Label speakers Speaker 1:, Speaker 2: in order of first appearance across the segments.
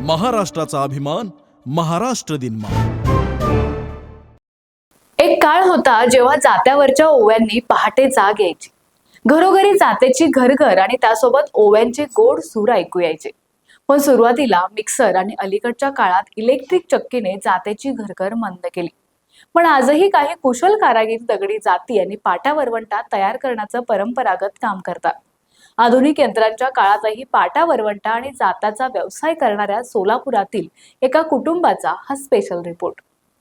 Speaker 1: महाराष्ट्राचा अभिमान, महाराष्ट्र दिन.
Speaker 2: एक काळ होता जेव्हा जात्यावरच्या ओव्यांनी पहाटे जाग यायची. घरोघरी जात्याची घरघर आणि त्यासोबत ओव्यांचे गोड सूर ऐकू यायचे. पण सुरुवातीला मिक्सर आणि अलीकडच्या काळात इलेक्ट्रिक चक्कीने जात्याची घरघर मंद केली. पण आजही काही कुशल कारागीर दगडी जाती आणि पाटा वरवंटा तयार करण्याचं परंपरागत काम करतात. आधुनिक यंत्रांच्या काळातही पाटा वरवंटा आणि जाताचा व्यवसाय करणाऱ्या सोलापुरातील एका कुटुंबाचा हा स्पेशल रिपोर्ट.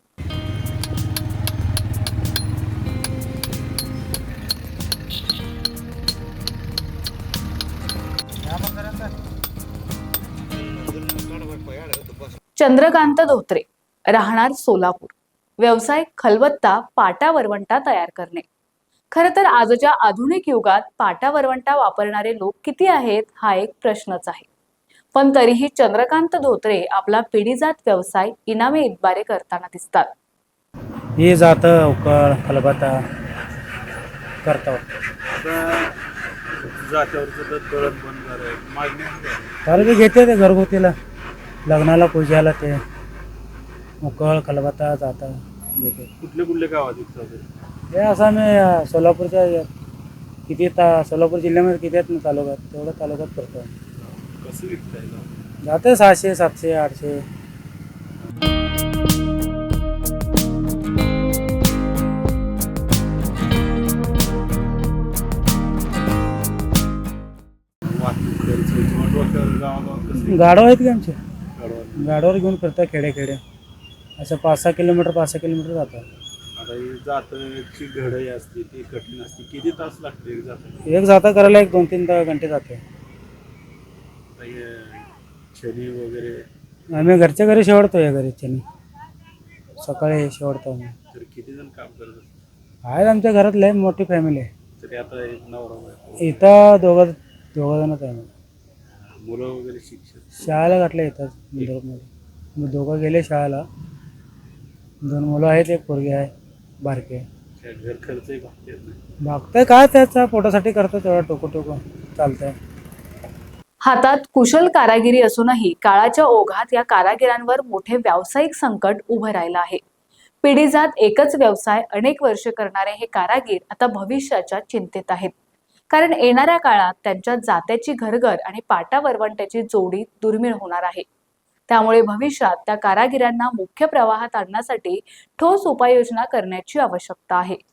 Speaker 2: चंद्रकांत धोत्रे, राहणार सोलापूर. व्यवसाय खलबत्ता पाटा वरवंटा तयार करणे. खरं तर आजच्या आधुनिक युगात पाटा वरवंटा वापरणारे लोक किती आहेत हा एक प्रश्नच आहे. पण तरीही चंद्रकांत धोत्रे आपला पिढीजात व्यवसाय इनामे इतबारे करताना दिसतात.
Speaker 3: हे जातं उकळ खलबत्ता करतो. तर ते घेते ते घरगुतीला लग्नाला पूजाला ते उकळ खलबत्ता जाता घेते.
Speaker 4: कुठले गावात
Speaker 3: हे असं आम्ही सोलापूरच्या किती सोलापूर जिल्ह्यामध्ये किती आहेत ना तालुक्यात, तेवढं तालुक्यात करतो.
Speaker 4: कसं विकताय?
Speaker 3: जाते 600, 700, 800. गाडव आहेत की आमचे, गाडवावर घेऊन फिरतात खेडे असं 5-6 किलोमीटर जातात.
Speaker 4: आता ही जाताची घडई असते ती कठीण असते. किती तास लागते
Speaker 3: एक जाता करायला 1-2-3 घंटे जाते.
Speaker 4: छडी वगैरे
Speaker 3: आम्ही घरच्या घरी शेवडतो. या घरी छनी सकाळी शेवडतो आम्ही.
Speaker 4: तर किती जण काम करत असतात?
Speaker 3: आहेत आमच्या घरात लय मोठी फॅमिली आहे.
Speaker 4: तरी आता एक नवरा
Speaker 3: इथं दोघं जणच आहे.
Speaker 4: मुलं वगैरे शिक्षण
Speaker 3: शाळेला घातले येतात इंदोरमध्ये. दोघं गेले शाळेला. 2 मुलं आहेत, एक पोरगी आहे बारके.
Speaker 4: घर खर्चही
Speaker 3: भागतंय काय त्याचा पोटासाठी करतो तेवढा टोको चालतंय.
Speaker 2: हातात कुशल कारागिरी असूनही काळाच्या ओघात या कारागिरांवर मोठे व्यावसायिक संकट उभं राहिलं आहे. पिढीजात एकच व्यवसाय अनेक वर्ष करणारे हे कारागीर आता भविष्याच्या चिंतेत आहेत. कारण येणाऱ्या काळात त्यांच्या जात्याची घरघर आणि पाटा वरवंट्याची जोडी दुर्मिळ होणार आहे. त्यामुळे भविष्यात त्या कारागिरांना मुख्य प्रवाहात आणण्यासाठी ठोस उपाययोजना करण्याची आवश्यकता आहे.